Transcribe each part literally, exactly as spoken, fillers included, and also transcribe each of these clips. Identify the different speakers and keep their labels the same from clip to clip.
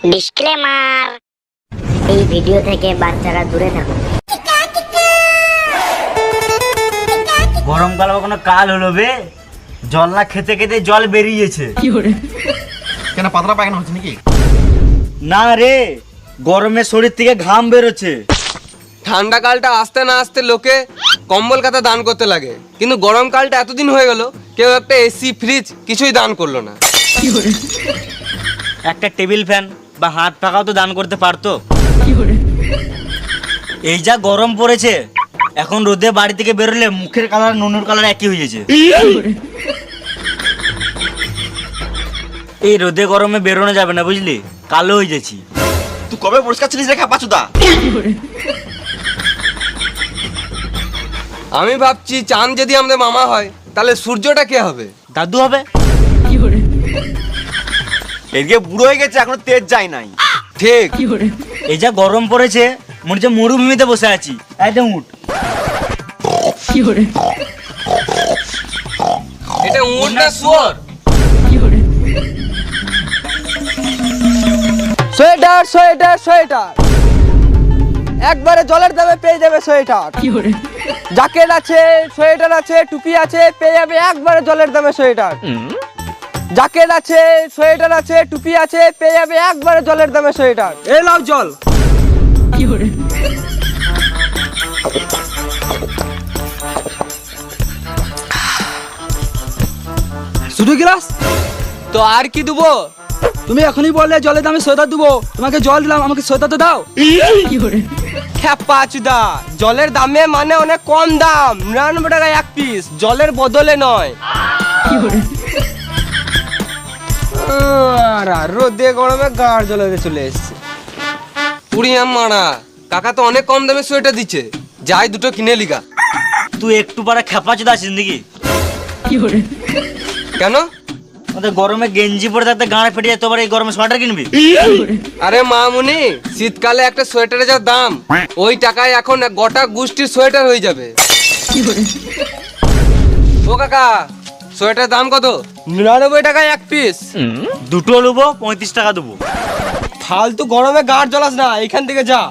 Speaker 1: Disclaimer, এই video থেকে বাচ্চারা দূরে থাকুন।
Speaker 2: গরমকাল কোনো কাল হলো বে, জল না খেতে খেতে জল বেরিয়েছে।
Speaker 3: কেন পাতলা পায়খানা হচ্ছে নাকি?
Speaker 2: না রে, গরমে শরীর থেকে ঘাম বেরোচ্ছে।
Speaker 4: ঠান্ডা কালটা আসতে না আসতে লোকে কম্বল কাতা দান করতে লাগে, কিন্তু গরমকালটা এতদিন হয়ে গেল কেউ একটা এসি ফ্রিজ কিছুই দান করলো না।
Speaker 2: একটা টেবিল ফ্যান বা হাত পাখাও তো দান করতে পারতো। এই যা গরম পড়েছে, এখন রোদে বাড়ি থেকে বেরোলে মুখের কালার নুনুর কালার একই হয়ে গেছে। এই রোদে গরমে বেরোনো যাবে না, বুঝলি, কালো হয়ে যাচ্ছি।
Speaker 3: তুই কবে পরিষ্কার ছিলিস রে পাচুদা?
Speaker 4: আমি ভাবছি চাঁদ যদি আমাদের মামা হয় তাহলে সূর্যটা কে হবে?
Speaker 2: দাদু হবে।
Speaker 3: এদিকে বুড়ো হয়ে গেছে, এখনো তেজ যায় নাই।
Speaker 4: ঠিক।
Speaker 2: এই যা গরম পড়েছে, মনে হচ্ছে মরুভূমিতে বসে আছি। একদম উঠ।
Speaker 4: এটা উট না শুয়োর?
Speaker 5: সোয়েটার সোয়েটার সোয়েটার একবারে জলের দামে পেয়ে যাবে সোয়েটার। জ্যাকেট আছে, সোয়েটার আছে, টুপি আছে, পেয়ে যাবে একবারে জলের দামে সোয়েটার। জ্যাকেট আছে, সোয়েটার আছে, টুপি আছে, পেয়ে যাবে একবারে জলের দামে সোয়েটার। এই নাও জল। শুধু গ্লাস
Speaker 4: তো আর কি দেবো?
Speaker 5: তুমি এখনই বললে জলের দামে সোয়েটার দেবো, তোমাকে জল দিলাম, আমাকে সোয়েটার তো দাও।
Speaker 4: খ্যাপাচুদা, জলের দামে মানে অনেক কম দাম, নিরানব্বই টাকা এক পিস, জলের বদলে নয়। আর রোদে গরমে গাড় জ্বলে চলে এসছে। পুরিয়াম মারা, কাকা তো অনেক কম দামে সোয়েটার দিচ্ছে, যাই দুটো কিনে লিগা।
Speaker 2: তুই একটু পারা খেপা চোদা আছিস নাকি?
Speaker 4: কেন?
Speaker 2: ওদের গরমে গেঞ্জি পরে থাকতে গাঁড়ে ফেটে যায়, তোবার এই গরমে সোয়েটার কিনবি?
Speaker 4: আরে মামুনি, শীতকালে একটা সোয়েটারের যা দাম, ওই টাকায় এখন গোটা গোষ্ঠীর সোয়েটার হয়ে যাবে। ও কাকা, সোয়েটার দাম কত? নিরানব্বই টাকায় এক পিস।
Speaker 2: দুটো নেবো, পঁয়ত্রিশ টাকা দেবো।
Speaker 4: ফালতু গরমে গাড় জ্বলাস না, এখান থেকে যা।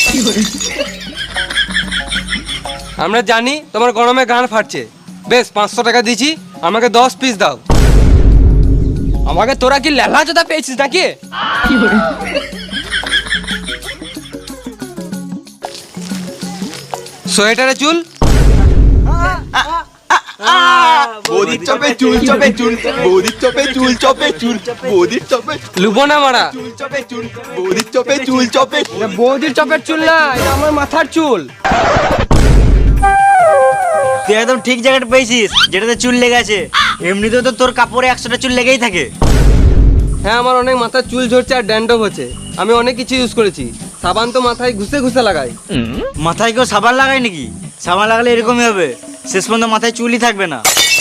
Speaker 4: আমরা জানি তোমার গরমে গাড় ফাটছে, বেশ পাঁচশো টাকা দিচ্ছি, আমাকে দশ পিস দাও। আমাকে তোরা কি লেলা চোদা পেয়েছিস নাকি? সোয়েটারে চুল,
Speaker 3: বৌদির চপে চুল চপে চুল, বৌদির চপে চুল চপে চুল, বৌদির চপে
Speaker 4: লুবো না মারা।
Speaker 3: চুল চপে চুল, বৌদির চপে চুল চপে।
Speaker 4: এটা বৌদির চপের চুল না, এটা আমার মাথার চুল।
Speaker 2: তুই একদম ঠিক জায়গাটা পেয়েছিস, যেটাতে চুল লেগে আছে। এমনিতেও তো তোর কাপড়ে একশোটা চুল লেগেই থাকে।
Speaker 4: হ্যাঁ, আমার অনেক মাথার চুল ঝরছে আর ড্যান্ড্রফ হচ্ছে। আমি অনেক কিছু ইউজ করেছি, সাবান তো মাথায় ঘুষে ঘুষে লাগাই।
Speaker 2: মাথায় কেউ সাবান লাগায় নাকি? সাবান লাগালে এরকমই হবে, শেষ পর্যন্ত মাথায় চুলই থাকবে না।